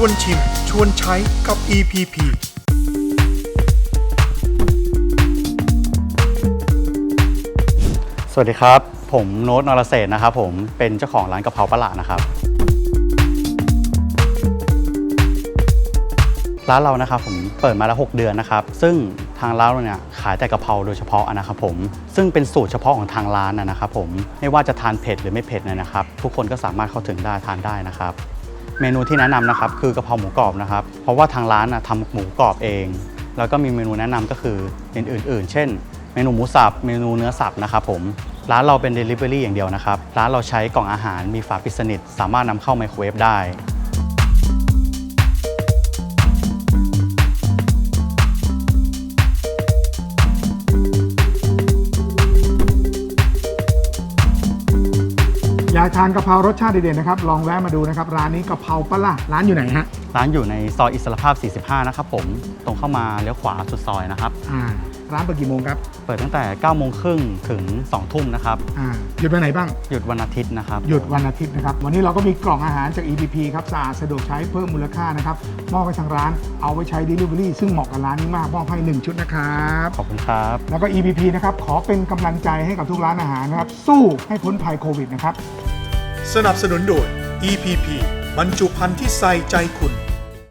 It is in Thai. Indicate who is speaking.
Speaker 1: วนชิมชวนใช้กับ EPP
Speaker 2: สวัสดีครับผมโน้ต นรเศรษฐ์นะครับผมเป็นเจ้าของร้านกะเพราปะหลานะครับร้านเรานะครับผมเปิดมาแล้ว6 เดือนนะครับซึ่งทางร้านเราเนี่ยขายแต่กะเพราโดยเฉพาะนะครับผมซึ่งเป็นสูตรเฉพาะของทางร้านนะครับผมไม่ว่าจะทานเผ็ดหรือไม่เผ็ดนะครับทุกคนก็สามารถเข้าถึงได้ทานได้นะครับเมนูที่แนะนำนะครับคือกะเพราหมูกรอบนะครับเพราะว่าทางร้านทำหมูกรอบเองแล้วก็มีเมนูแนะนำก็คืออื่นๆเช่นเมนูหมูสับเมนูเนื้อสับนะครับผมร้านเราเป็น Delivery อย่างเดียวนะครับร้านเราใช้กล่องอาหารมีฝาปิดสนิทสามารถนำเข้าไมโครเวฟได้
Speaker 3: อยากทานกะเพรารสชาติเด็ดๆนะครับลองแวะมาดูนะครับร้านนี้กะเพราปะล่ะร้านอยู่ไหนฮะ
Speaker 2: ร้านอยู่ในซอยอิสรภาพ 45 นะครับผมตรงเข้ามาเลี้ยวขวาสุดซอยนะครับ
Speaker 3: ร้านเปิดกี่โมงครับ
Speaker 2: เปิดตั้งแต่ 9:30 นถึง 2 ทุ่มนะครับ
Speaker 3: หยุดวันไหนบ้าง
Speaker 2: หยุดวันอาทิตย์นะครับ
Speaker 3: หยุดวันอาทิตย์นะครับวันนี้เราก็มีกล่องอาหารจาก EPP ครับสะอาดสะดวกใช้เพิ่มมูลค่านะครับมอบให้ทางร้านเอาไว้ใช้ Delivery ซึ่งเหมาะกับร้านนี้มากมอบให้1 ชุดนะครับ
Speaker 2: ขอบคุณครับ
Speaker 3: แล้วก็ EPP นะครับขอเป็นกำลังใจให้กับทุกร้านอาหารนะครับสู้ให้พ้นภัยโควิดนะครับ
Speaker 1: สนับสนุนโดย EPP บรรจุภัณฑ์ที่ใส่ใจคุณ